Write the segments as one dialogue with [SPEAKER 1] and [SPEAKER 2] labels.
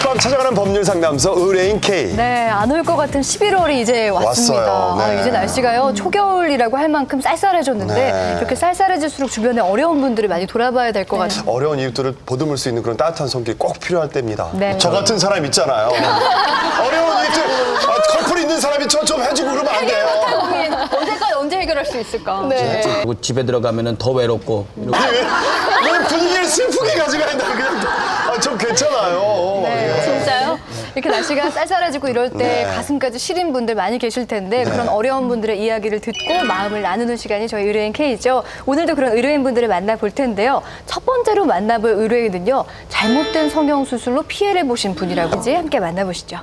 [SPEAKER 1] 밤 찾아가는 법률 상담소 의뢰인 K.
[SPEAKER 2] 네, 안 올 것 같은 11월이 이제 왔습니다.
[SPEAKER 1] 왔어요. 네.
[SPEAKER 2] 이제 날씨가요, 초겨울이라고 할 만큼 쌀쌀해졌는데
[SPEAKER 1] 네.
[SPEAKER 2] 이렇게 쌀쌀해질수록 주변에 어려운 분들이 많이 돌아봐야 될 것 같아요.
[SPEAKER 1] 어려운 이웃들을 보듬을 수 있는 그런 따뜻한 손길 꼭 필요할 때입니다.
[SPEAKER 2] 네.
[SPEAKER 1] 저 같은 사람 있잖아요. 어려운 이웃들, 커플 있는 사람이 저 좀 해주고 그러면 안 돼요.
[SPEAKER 2] 언제까지 언제 해결할 수 있을까?
[SPEAKER 3] 네. 그리고 집에 들어가면은 더 외롭고.
[SPEAKER 1] 왜 분위기를 슬프게 가져가야 된다. 그냥 좀 괜찮아요.
[SPEAKER 2] 네,
[SPEAKER 1] 예.
[SPEAKER 2] 진짜요? 이렇게 날씨가 쌀쌀해지고 이럴 때
[SPEAKER 1] 네.
[SPEAKER 2] 가슴까지 시린 분들 많이 계실 텐데 그런 어려운 분들의 이야기를 듣고 마음을 나누는 시간이 저희 의뢰인 K죠. 오늘도 그런 의뢰인 분들을 만나볼 텐데요. 첫 번째로 만나볼 의뢰인은요. 잘못된 성형수술로 피해를 보신 분이라고 이제 함께 만나보시죠.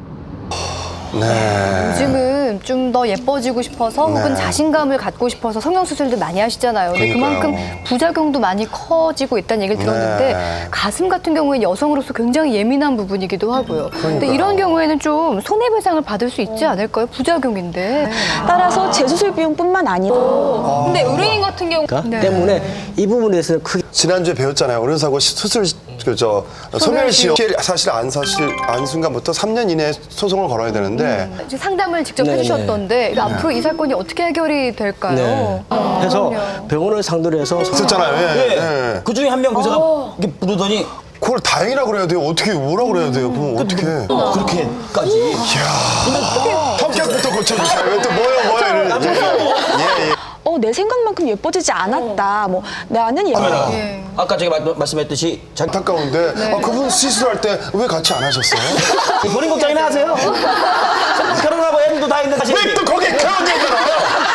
[SPEAKER 1] 네.
[SPEAKER 2] 요즘은 좀 더 예뻐지고 싶어서 혹은
[SPEAKER 1] 네.
[SPEAKER 2] 자신감을 갖고 싶어서 성형수술도 많이 하시잖아요. 근데
[SPEAKER 1] 그러니까요.
[SPEAKER 2] 그만큼 부작용도 많이 커지고 있다는 얘기를 들었는데
[SPEAKER 1] 네.
[SPEAKER 2] 가슴 같은 경우에는 여성으로서 굉장히 예민한 부분이기도 하고요. 근데 이런 경우에는 좀 손해배상을 받을 수 있지 않을까요? 부작용인데.
[SPEAKER 4] 따라서 재수술 비용뿐만 아니라
[SPEAKER 2] 근데 의뢰인 같은 경우
[SPEAKER 3] 때문에 이 부분에 대해서 크게
[SPEAKER 1] 지난주에 배웠잖아요. 의료사고 수술 소멸시효 사실 안 순간부터 3년 이내에 소송을 걸어야 되는데
[SPEAKER 2] 이제 상담을 직접
[SPEAKER 3] 네네.
[SPEAKER 2] 해주셨던데 앞으로 이 사건이 어떻게 해결이 될까요?
[SPEAKER 3] 네. 해서 병원을 상대로 해서
[SPEAKER 1] 있었잖아요. 예.
[SPEAKER 3] 네.
[SPEAKER 1] 예.
[SPEAKER 3] 그 중에 한 명 의사가 이렇게 부르더니
[SPEAKER 1] 그걸 다행이라 그래야 돼요. 어떻게 뭐라 그래야 돼요? 그럼 어떻게?
[SPEAKER 3] 그렇게까지.
[SPEAKER 1] 성격부터 고쳐주세요. 왜 또 뭐요 이러는지. 예.
[SPEAKER 4] 내 생각만큼 예뻐지지 않았다. 뭐 나는
[SPEAKER 2] 예.
[SPEAKER 3] 아까 제가 말씀했듯이
[SPEAKER 1] 안타까운데 그분 시술할 때 왜 같이 안 하셨어요?
[SPEAKER 3] 본인 걱정이나 하세요. 결혼하고 애도 다 있는 사실.
[SPEAKER 1] 왜 또 거기에 그런 얘기를 해요?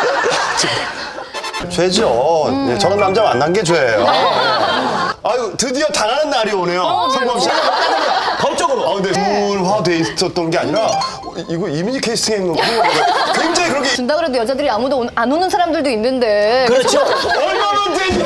[SPEAKER 1] 죄죠. 네, 저런 남자 만난 게 죄예요. 아유 드디어 당하는 날이 오네요. 성범 씨.
[SPEAKER 3] 법적으로.
[SPEAKER 1] 근데 우울화돼 있었던 게 아니라 이거 이미지 캐스팅 굉장히 그런 게
[SPEAKER 2] 준다 그래도 여자들이 아무도 안 오는 사람들도 있는데
[SPEAKER 3] 그렇죠.
[SPEAKER 1] 얼마나 되니?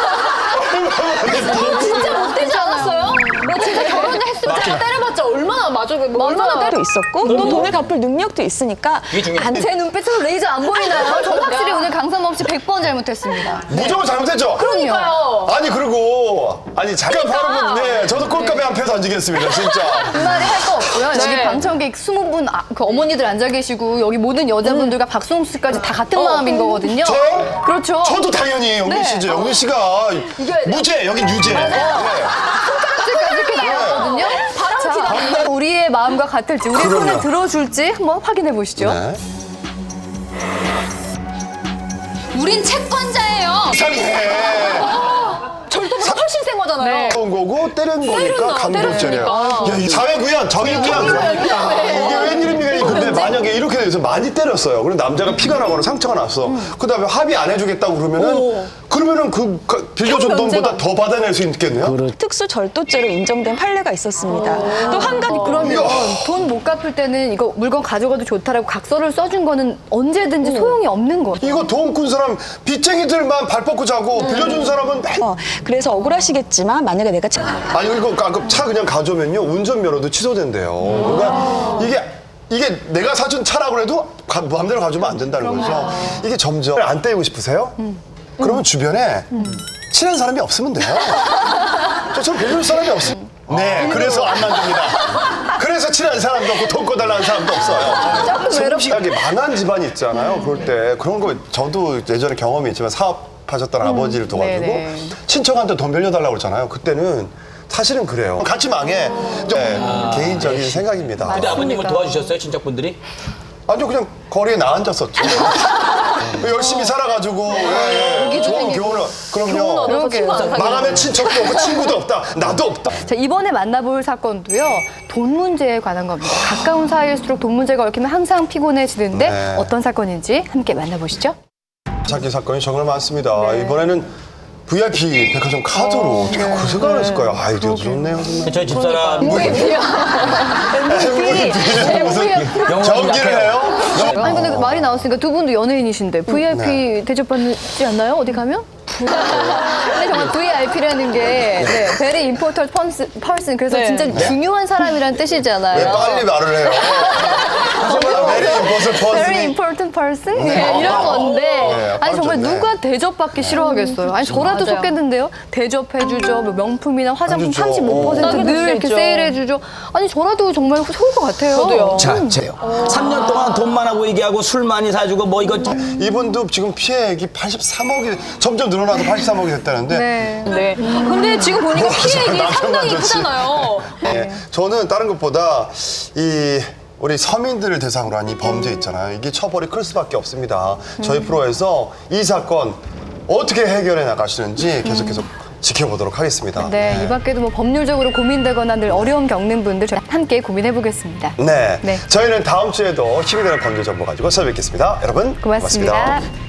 [SPEAKER 2] 진짜 못 되지 않았어요? 너 진짜 결혼을 했으면 제가 때려봤자 얼마나 얼마나
[SPEAKER 4] 때도 있었고 또 돈을 갚을 능력도 있으니까
[SPEAKER 3] 이게 중요해.
[SPEAKER 2] 제 눈빛으로 레이저 안 보이나요? 저 확실히 오늘 강삼 없이 100번 잘못했습니다.
[SPEAKER 1] 무조건 잘못했죠?
[SPEAKER 2] 그럼요.
[SPEAKER 1] 아니 그리고 잠깐 바로 네 저도 꼴값에 한 표 던지겠습니다 진짜.
[SPEAKER 2] 그 말이 할 거 없고요. 여기 방청객 20분 그 어머니들 앉아 계시고 여기 모든 여자분들과 박수홍 씨까지 다 같은 마음인 거거든요.
[SPEAKER 1] 저요?
[SPEAKER 2] 그렇죠.
[SPEAKER 1] 저도 당연히 영민 씨죠. 영민 씨가
[SPEAKER 2] 이겨야 돼요.
[SPEAKER 1] 무죄 여긴 유죄.
[SPEAKER 2] 손가락질까지 이렇게 나왔거든요. 자, 우리의 마음과 같을지 우리의
[SPEAKER 1] 그럼요.
[SPEAKER 2] 손을 들어줄지 한번 확인해 보시죠.
[SPEAKER 1] 네.
[SPEAKER 5] 우린 채권자예요.
[SPEAKER 1] 이상해.
[SPEAKER 2] 절도보다 훨씬 센 거잖아요.
[SPEAKER 1] 온 거고 때린 거니까 강도죄래요.
[SPEAKER 2] 때렸으니까.
[SPEAKER 1] 야, 이 사회구현, 정의구현. 이게 웬일입니까? 근데 만약에 이렇게 돼서 많이 때렸어요. 그럼 남자가 피가 나거나 상처가 났어. 그다음에 합의 안 해주겠다고 그러면은 그 빌려준 돈보다 더 받아낼 수 있겠네요.
[SPEAKER 4] 특수 절도죄로 인정된 판례가 있었습니다. 또 한 가지
[SPEAKER 2] 그러면 돈 못 갚을 때는 이거 물건 가져가도 좋다라고 각서를 써준 거는 언제든지 소용이 없는 거.
[SPEAKER 1] 이거 돈 꾼 사람 빚쟁이들만 발 뻗고 자고 빌려준 사람은
[SPEAKER 4] 그래서 억울하시겠지만 만약에 내가
[SPEAKER 1] 아니 이거 차 그냥 가져오면요 운전면허도 취소된대요. 그러니까 이게 내가 사준 차라고 해도 마음대로 가져오면 안 된다는 거죠. 이게 점점 안 때리고 싶으세요? 그러면 주변에 친한 사람이 없으면 돼요. 저처럼 빌려줄 사람이 없으면 네, 그래서 안 만듭니다. 그래서 친한 사람도 없고 돈 꺼달라는 사람도 없어요. 성실하게 망한 집안이 있잖아요. 그럴 때 그런 거 저도 예전에 경험이 있지만 사업하셨던 아버지를 도와주고
[SPEAKER 2] 네네.
[SPEAKER 1] 친척한테 돈 빌려달라고 그러잖아요. 그때는 사실은 그래요. 같이 망해. 개인적인 생각입니다.
[SPEAKER 3] 근데 아버님을 도와주셨어요, 친척분들이?
[SPEAKER 1] 아니요, 그냥 거리에 나앉았었죠. 열심히 살아가지고 좋은 교훈을 그럼요. 망하면 친척도 없고 친구도 없다. 나도 없다.
[SPEAKER 2] 자, 이번에 만나볼 사건도요. 돈 문제에 관한 겁니다. 가까운 사이일수록 돈 문제가 얽히면 항상 피곤해지는데
[SPEAKER 1] 네.
[SPEAKER 2] 어떤 사건인지 함께 만나보시죠.
[SPEAKER 1] 찾기 사건이 정말 많습니다. 이번에는 VIP 백화점 카드로 어떻게 그 생각을 했을까요? 아이디어도 좋네요. 정말.
[SPEAKER 3] 저희 집사람
[SPEAKER 2] MVP.
[SPEAKER 1] 전기를 해요?
[SPEAKER 2] 아니 근데 말이 나왔으니까 두 분도 연예인이신데 VIP 대접받지 않나요? 어디 가면? 근데 정말 VIP라는 게 very important person 그래서 진짜 중요한 사람이라는
[SPEAKER 1] 왜
[SPEAKER 2] 뜻이잖아요.
[SPEAKER 1] 빨리 말을 해요? 메리 임포스
[SPEAKER 2] very
[SPEAKER 1] 퍼슨이
[SPEAKER 2] important person 이런 건데
[SPEAKER 1] 네,
[SPEAKER 2] 아니 정말
[SPEAKER 1] 좋네.
[SPEAKER 2] 누가 대접받기 싫어하겠어요. 아니 저라도
[SPEAKER 4] 맞아요.
[SPEAKER 2] 속겠는데요. 대접해주죠. 뭐 명품이나 화장품
[SPEAKER 1] 해주죠.
[SPEAKER 2] 35%
[SPEAKER 4] 싸게
[SPEAKER 2] 늘
[SPEAKER 4] 줄 수
[SPEAKER 2] 이렇게
[SPEAKER 4] 있죠.
[SPEAKER 2] 세일해주죠. 아니 저라도 정말 좋을 것 같아요.
[SPEAKER 4] 저도요.
[SPEAKER 3] 자, 제요. 3년 동안 돈 많아 보이게 하고 술 많이 사주고 뭐 이거
[SPEAKER 1] 이분도 지금 피해액이 83억이 점점 늘어나서 83억이 됐다는데
[SPEAKER 2] 네.
[SPEAKER 4] 네. 근데 지금 보니까 피해액이
[SPEAKER 1] 남편
[SPEAKER 4] 상당히
[SPEAKER 1] 만졌지.
[SPEAKER 4] 크잖아요.
[SPEAKER 1] 네. 저는 다른 것보다 이 우리 서민들을 대상으로 한 이 범죄 있잖아요. 이게 처벌이 클 수밖에 없습니다. 저희 프로에서 이 사건 어떻게 해결해 나가시는지 계속 지켜보도록 하겠습니다.
[SPEAKER 2] 네, 이 밖에도 뭐 법률적으로 고민되거나 늘 어려움 겪는 분들 저희 함께 고민해 보겠습니다.
[SPEAKER 1] 네.
[SPEAKER 2] 네.
[SPEAKER 1] 저희는 다음 주에도 힘이 되는 범죄 정보 가지고 찾아뵙겠습니다. 여러분
[SPEAKER 2] 고맙습니다.
[SPEAKER 1] 고맙습니다.